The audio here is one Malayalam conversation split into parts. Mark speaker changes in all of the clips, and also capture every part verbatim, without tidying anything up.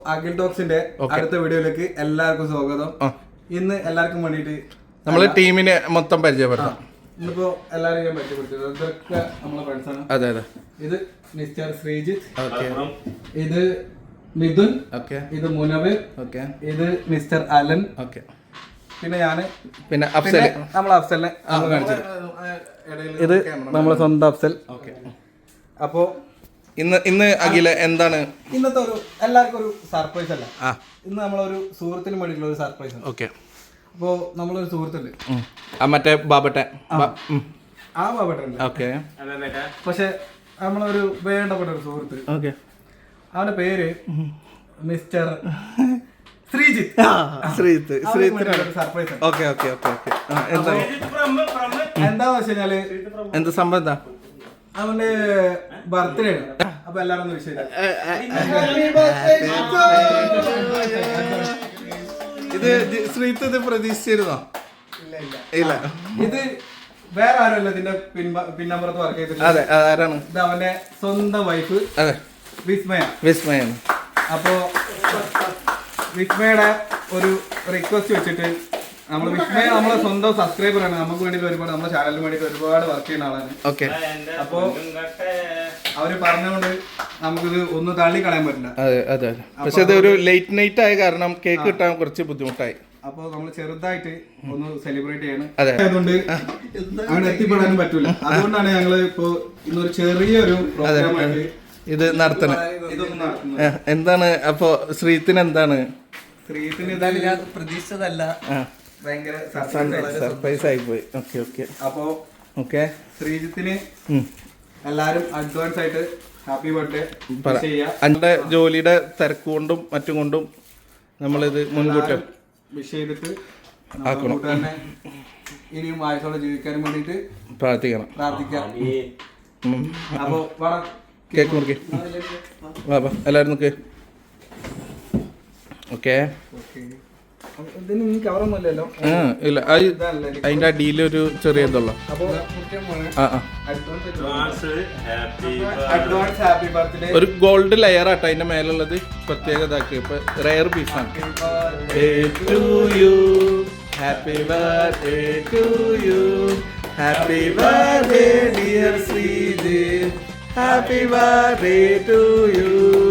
Speaker 1: അഖിൽ ടോക്സിന്റെ അടുത്ത വീഡിയോയിലേക്ക് എല്ലാവർക്കും സ്വാഗതം. ഇന്ന് എല്ലാവർക്കും വേണ്ടിട്ട്
Speaker 2: നമ്മള് ടീമിനെ മൊത്തം പരിചയപ്പെടുത്താം.
Speaker 1: ഇന്നിപ്പോ എല്ലാവരും ഞാൻ പരിചയപ്പെടുത്തിയത് ഇതൊക്കെ നമ്മളെ ഫ്രണ്ട്സാണ്.
Speaker 2: അതെ അതെ.
Speaker 1: ഇത് മിസ്റ്റർ ശ്രീജിത്ത്, ഇത് മിഥുൻ, ഇത് മുനവർ, ഇത് മിസ്റ്റർ അലൻ, പിന്നെ ഞാന്, പിന്നെ അഫ്സൽ, നമ്മളെ അഫ്സലിനെ നമ്മൾ കാണിച്ചത്. ഇത് നമ്മളെ സ്വന്തം അഫ്സൽ. അപ്പോ
Speaker 2: ഇന്ന് ഇന്ന് അഖില എന്താണ്
Speaker 1: ഇന്നത്തെ ഒരു എല്ലാവർക്കും ഒരു സർപ്രൈസ് അല്ല, ഇന്ന് നമ്മളൊരു സുഹൃത്തിന് വേണ്ടിയിട്ടുള്ള ഒരു സർപ്രൈസ് ആണ്.
Speaker 2: ഓക്കെ.
Speaker 1: അപ്പോ നമ്മളൊരു സുഹൃത്തുണ്ട്,
Speaker 2: മറ്റേ ബാബട്ടെ
Speaker 1: ആ ബാബട്ടൻ.
Speaker 2: ഓക്കെ.
Speaker 1: പക്ഷെ നമ്മളൊരു വേണ്ടപ്പെട്ട ഒരു സുഹൃത്ത്,
Speaker 2: ഓക്കെ,
Speaker 1: അവന്റെ പേര് mister Sreejith.
Speaker 2: Sreejith Sreejith
Speaker 1: surprise.
Speaker 2: Okay okay okay okay. എന്താ
Speaker 1: എന്താന്ന് വെച്ച് കഴിഞ്ഞാല്
Speaker 2: എന്ത് സംഭവം എന്താ?
Speaker 1: അവന്റെ ബർത്ത്ഡേ ആണ്. അപ്പൊ എല്ലാരും ഒന്ന് വിഷയം
Speaker 2: ഇത് ശ്രീജിത്ത് ഇത് പ്രതീക്ഷിച്ചിരുന്നോ? ഇല്ല.
Speaker 1: ഇത് വേറെ ആരുമല്ല, ഇതിന്റെ പിന്നമ്പുറത്ത് വർക്ക് ചെയ്തിട്ട്.
Speaker 2: അതെ, ആരാണ്?
Speaker 1: ഇത് അവന്റെ സ്വന്തം വൈഫ്.
Speaker 2: അതെ,
Speaker 1: വിസ്മയ.
Speaker 2: വിസ്മയാണ്.
Speaker 1: അപ്പോ വിസ്മയുടെ ഒരു റിക്വസ്റ്റ് വെച്ചിട്ട് നമ്മൾ വിസ്മയ നമ്മളെ സ്വന്തം സബ്സ്ക്രൈബർ ആണ്. നമുക്ക് വേണ്ടിയിട്ട് ഒരുപാട് നമ്മുടെ ചാനലിന് വേണ്ടിയിട്ട് ഒരുപാട് വർക്ക് ചെയ്യുന്ന ആളാണ്.
Speaker 2: ഓക്കെ.
Speaker 1: അപ്പോ അവര് പറഞ്ഞുകൊണ്ട് നമുക്കിത് ഒന്ന് തള്ളി കളയാൻ പറ്റില്ല.
Speaker 2: അതെ അതെ അതെ. പക്ഷെ ഇത് ഒരു ലേറ്റ് നൈറ്റ് ആയ കാരണം കേക്ക് കിട്ടാൻ കുറച്ച് ബുദ്ധിമുട്ടായി.
Speaker 1: അപ്പൊ നമ്മൾ ചെറുതായിട്ട് ഒന്ന് സെലിബ്രേറ്റ് ചെയ്യണം. അതുകൊണ്ട് അങ്ങനെ എത്തിപ്പെടാനും പറ്റൂല. അതുകൊണ്ടാണ് ഞങ്ങള് ഇപ്പൊ ഇന്നൊരു ചെറിയൊരു പ്രോഗ്രാം ആയിട്ട്
Speaker 2: ഇത് നടത്തണം. എന്താണ് അപ്പൊ ശ്രീത്തിന് എന്താണ്?
Speaker 1: ശ്രീത്തിന് എന്തായാലും ഞാൻ പ്രതീക്ഷിച്ചതല്ല, ഭയങ്കര
Speaker 2: സർപ്രൈസ് ആയി പോയി. Okay okay.
Speaker 1: അപ്പോ
Speaker 2: ഓക്കെ,
Speaker 1: ശ്രീജിത്തിന് എല്ലാരും അഡ്വാൻസ് ആയിട്ട് ഹാപ്പി ബർത്ത്ഡേ ചെയ്യാം.
Speaker 2: എന്റെ ജോലിയുടെ തിരക്ക് കൊണ്ടും മറ്റും കൊണ്ടും നമ്മളിത് മുൻകൂട്ടി
Speaker 1: വിഷ് ചെയ്തിട്ട് തന്നെ ഇനിയും ആയുസോടെ ജീവിക്കാനും വേണ്ടിട്ട്
Speaker 2: പ്രാർത്ഥിക്കണം
Speaker 1: പ്രാർത്ഥിക്കാം. അപ്പോ
Speaker 2: കേക്ക് മുറിക്ക് വാ, എല്ലാവരും നോക്ക്. ഓക്കെ.
Speaker 1: കവറൊന്നുമില്ലല്ലോ.
Speaker 2: ഇല്ല, അതിന്റെ അടിയിലൊരു ചെറിയ ഇതുള്ളൂ. ഒരു ഗോൾഡ് ലെയർ ആട്ടോ അതിന്റെ മേലുള്ളത്, പ്രത്യേകത ഇതാക്കി. ഇപ്പൊ റെയർ പീസാണ്. Happy birthday to you, happy birthday dear Sreejith, happy birthday to you.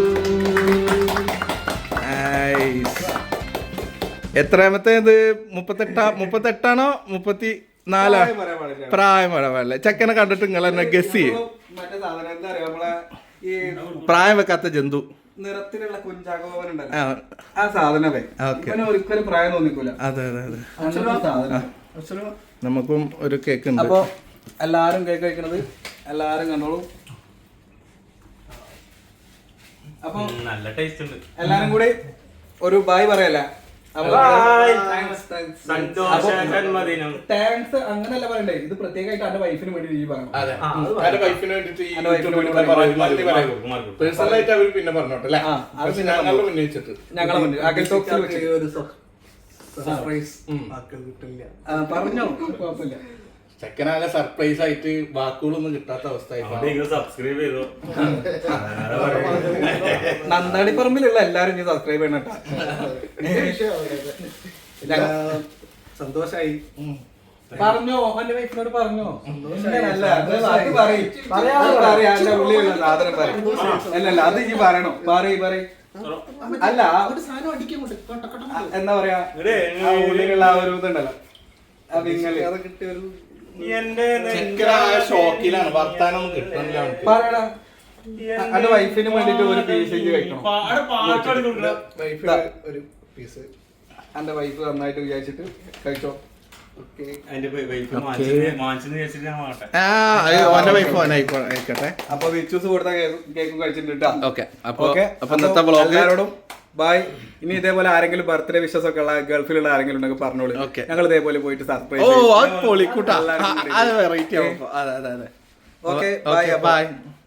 Speaker 2: എത്രാമത്തെ ഇത്? മുപ്പത്തെട്ടാ മുപ്പത്തെട്ടാണോ മുപ്പത്തി നാലാ? പ്രായം പറയാൻ പാടില്ല. ചെക്കനെ കണ്ടിട്ട് നിങ്ങൾ എന്നെ ഗസ് ചെയ്യും. പ്രായം വെക്കാത്ത ജന്തു
Speaker 1: നിറത്തിലുള്ള കുഞ്ചാകോവൻ ഉണ്ടല്ലോ, ആ സാധനമേ ഒരിക്കലും പ്രായം തോന്നിക്കൂല.
Speaker 2: അതെ അതെ അതെ. നമുക്കും ഒരു കേക്ക് ഉണ്ട്.
Speaker 1: അപ്പൊ എല്ലാരും കേക്ക് കഴിക്കണത് എല്ലാരും കണ്ടോളൂ. അപ്പൊ നല്ല ടേസ്റ്റ് ഉണ്ട്. എല്ലാരും കൂടി ഒരു ബായ് പറയല്ല. താങ്ക്സ് അങ്ങനല്ല പറയണ്ടേ, ഇത് പ്രത്യേകമായിട്ട് എന്റെ വൈഫിന് വേണ്ടി നീ പറഞ്ഞു. ഞങ്ങളെ മുന്നിൽ അഖിൽ ടോക്സിൽ പറഞ്ഞോ, കുഴപ്പമില്ല.
Speaker 2: ചെക്കനാകെ സർപ്രൈസ് ആയിട്ട് വാക്കുകളൊന്നും കിട്ടാത്ത അവസ്ഥ.
Speaker 3: സബ്സ്ക്രൈബ് ചെയ്തോ.
Speaker 1: നന്ദാടി പറമ്പിലുള്ള എല്ലാരും ഇനി സബ്സ്ക്രൈബ് ചെയ്യണം. സന്തോഷായി. പറഞ്ഞോ, എന്റെ വൈഫിനോട് പറഞ്ഞോ. സാധനം പറയും. അല്ലല്ല, അത് ഇനി പറയണോ? പറയ് പറയ്. അല്ല, എന്താ പറയാ, ഉള്ളിലുള്ള ആ ഒരു ഇതുണ്ടല്ലോ, ആ വിങ്ങല്, അത് കിട്ടിയൊരു
Speaker 2: ഷോക്കിലാണ്. വർത്താനം
Speaker 1: പറയണ എന്റെ വൈഫിന് വേണ്ടിട്ട് ഒരു പീസ് കഴിക്കണം. ഒരു പീസ് എന്റെ വൈഫ് നന്നായിട്ട് വിചാരിച്ചിട്ട് കഴിച്ചോ. അപ്പൊ വിച്ചൂസ് കൊടുത്ത കേക്കും കഴിച്ചിട്ടുണ്ട്. എല്ലാവരോടും ബൈ. ഇനി ഇതേപോലെ ആരെങ്കിലും ബർത്ത്ഡേ വിഷസ് ഒക്കെ ഉള്ള ഗൾഫിലുള്ള ആരെങ്കിലും ഉണ്ടെങ്കിൽ പറഞ്ഞോളൂ. ഞങ്ങൾ ഇതേപോലെ പോയിട്ട് സർപ്രൈസ്.
Speaker 2: Okay, bye bye.